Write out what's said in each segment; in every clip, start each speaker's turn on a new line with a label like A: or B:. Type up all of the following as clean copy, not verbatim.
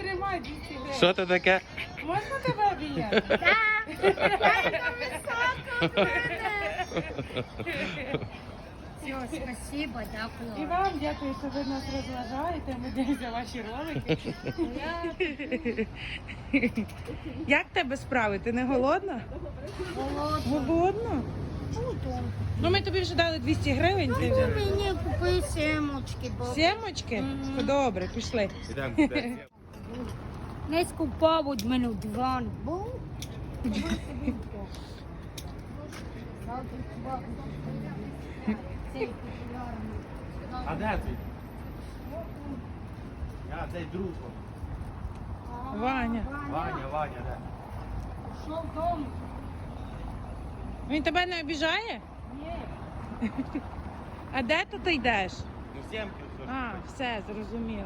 A: тримай 200 гривень.
B: Що це таке?
A: Можна тебе обійняти?
C: Все, спасибо,
A: І
C: дякую.
A: вам дякую, що ви нас розважаєте. Ми дивимося ваші ролики. Як тебе справи? Ти не голодна? Голодна? Ну ми тобі вже дали 200 гривень. Ти вже...
C: Мені купи семочки, бо
A: Сімочки? Добре, пішли.
B: Ідемо.
C: не скупав від мене в диван. Бо
B: А де твій? Я цей друг.
A: Ваня.
B: Ваня, де?
C: що вдома?
A: Він тебе не обіжає?
C: Ні.
A: А де тут ти йдеш?
B: Ну, сімки.
A: А, все, зрозуміло.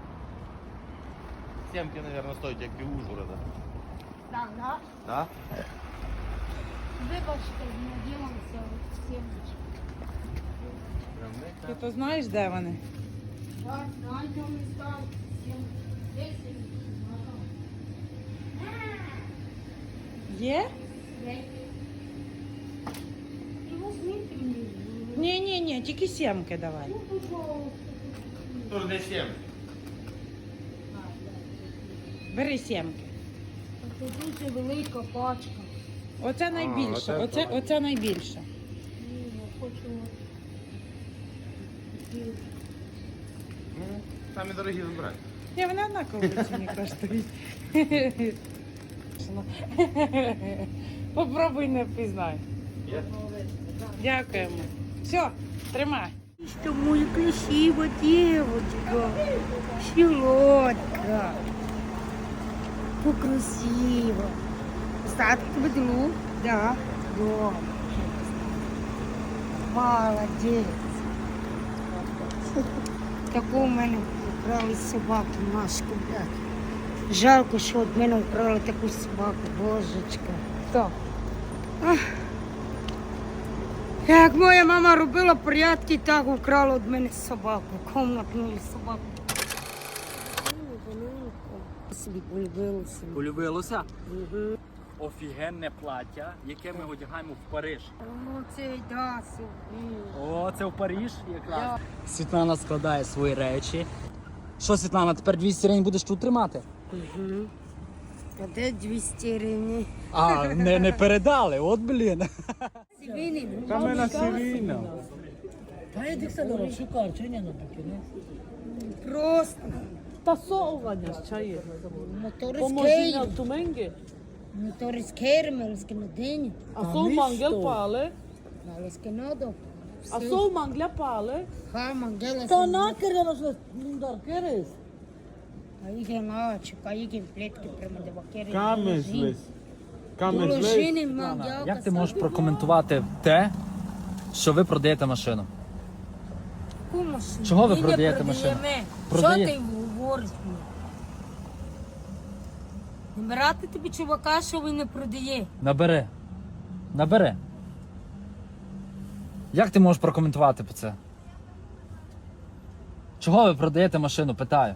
B: Сімки, мабуть, стоять, як і Ужгорода.
C: Так, да?
B: Да?
C: Вибачте, наділимося в семочки.
B: Прям не
A: Ти то знаєш, де вони?
C: Так, знаєте, ми стали. 10.
A: Є?
C: Ну, возьмите мені.
A: Ні, тільки сімки давай.
C: Ну, пожалуйста.
B: Тут де сім.
A: Бери сімки.
C: Це дуже велика пачка.
A: Оце найбільше. Оце найбільше.
C: Ні, я хочу.
B: Ну, самі дорогі вибирай.
A: Ні, вони однаково ціні коштують. Попробуй не впізнай.
B: Є?
A: Дякуємо. Все, тримай.
C: Что моя красивая девочка, щелотка, как красиво. Статки бедру, да, да. Молодец. Таку в мене вкрали собаку, Машку, блядь. Жалко, що від мене вкрали таку собаку, божечка.
A: Хто?
C: Як моя мама робила порядки, так украла від мене собаку, комнатну собаку. Собі полюбилася.
D: Полюбилося? Офігенне плаття, яке ми одягаємо в Париж.
C: О, це да, собі.
D: О, це в Париж якраз. Світлана складає свої речі. Що, Світлана, тепер 200 гривень будеш тут тримати?
C: А де 200 гривень?
D: А, не передали, от блін.
C: Сивини.
B: Та ми на Сирійно.
C: Просто.
E: Тасовування ще є.
C: Мотори з
E: Поможіння
C: Кейр.
E: в Туменгі.
C: Мотори з Кейрмельські на день.
E: А сов мангел пали.
C: Але з Канаду.
E: А сов мангля пали.
C: Ха, мангела.
E: Та накерено ж нундар керес.
C: А їх наче, а їх плетки прямо до бакери.
F: Камеслес.
C: Положини мангелка.
D: Як ти можеш прокоментувати те, що ви продаєте машину?
C: Яку машину?
D: Чого ви
C: Ми не
D: продаєте машину?
C: продаємо.
D: Продає-
C: Що ти говориш мені? Набирати тобі чувака, що він не продає.
D: Набери. Як ти можеш прокоментувати по це? Чого ви продаєте машину, питаю?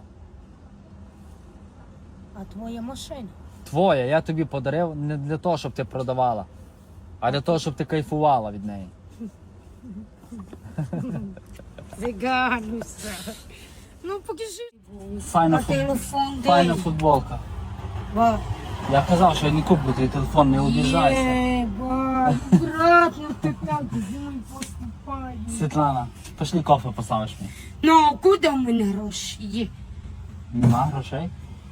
C: А твоя машина?
D: Твоя, я тобі подарив не для того, щоб ти продавала, а для того, щоб ти кайфувала від неї.
C: Загануся. Ну, покажи.
D: Файна,
C: Телефон
D: файна
C: дай.
D: футболка.
C: Ба.
D: Я казав, що я не куплю твій телефон, не обіжайся.
C: Ба, аккуратно ти так зі мною поступаєш.
D: Світлана, пішли кофе поставиш мені.
C: Ну, а куди в мене гроші є?
D: Нема грошей?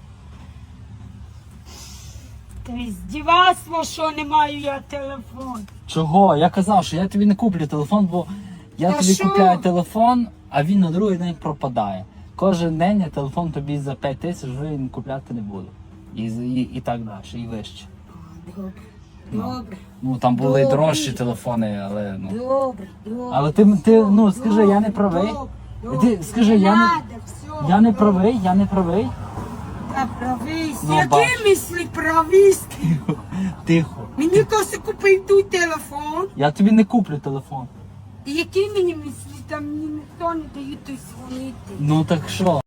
C: Ти здівацтво, що не маю я телефон.
D: Чого? Я казав, що я тобі не куплю телефон, бо я
C: Та
D: тобі
C: що?
D: купляю телефон, а він на другий день пропадає. Кожен день я телефон тобі за 5 тисяч вже купляти не буду. І так далі, і вище.
C: Добре, добре,
D: Ну там були і
C: Добре.
D: дорожчі телефони, але ну.
C: добре, добре.
D: Але ти ну скажи, я не правий. Ти скажи, я не правий.
C: Та правий,
D: Ну,
C: які
D: бач.
C: мислі правісти?
D: Тихо.
C: Мені коси купив той телефон.
D: Я тобі не куплю телефон.
C: І які мені мислі, там мені ніхто не дає той дзвонити.
D: Ну так що?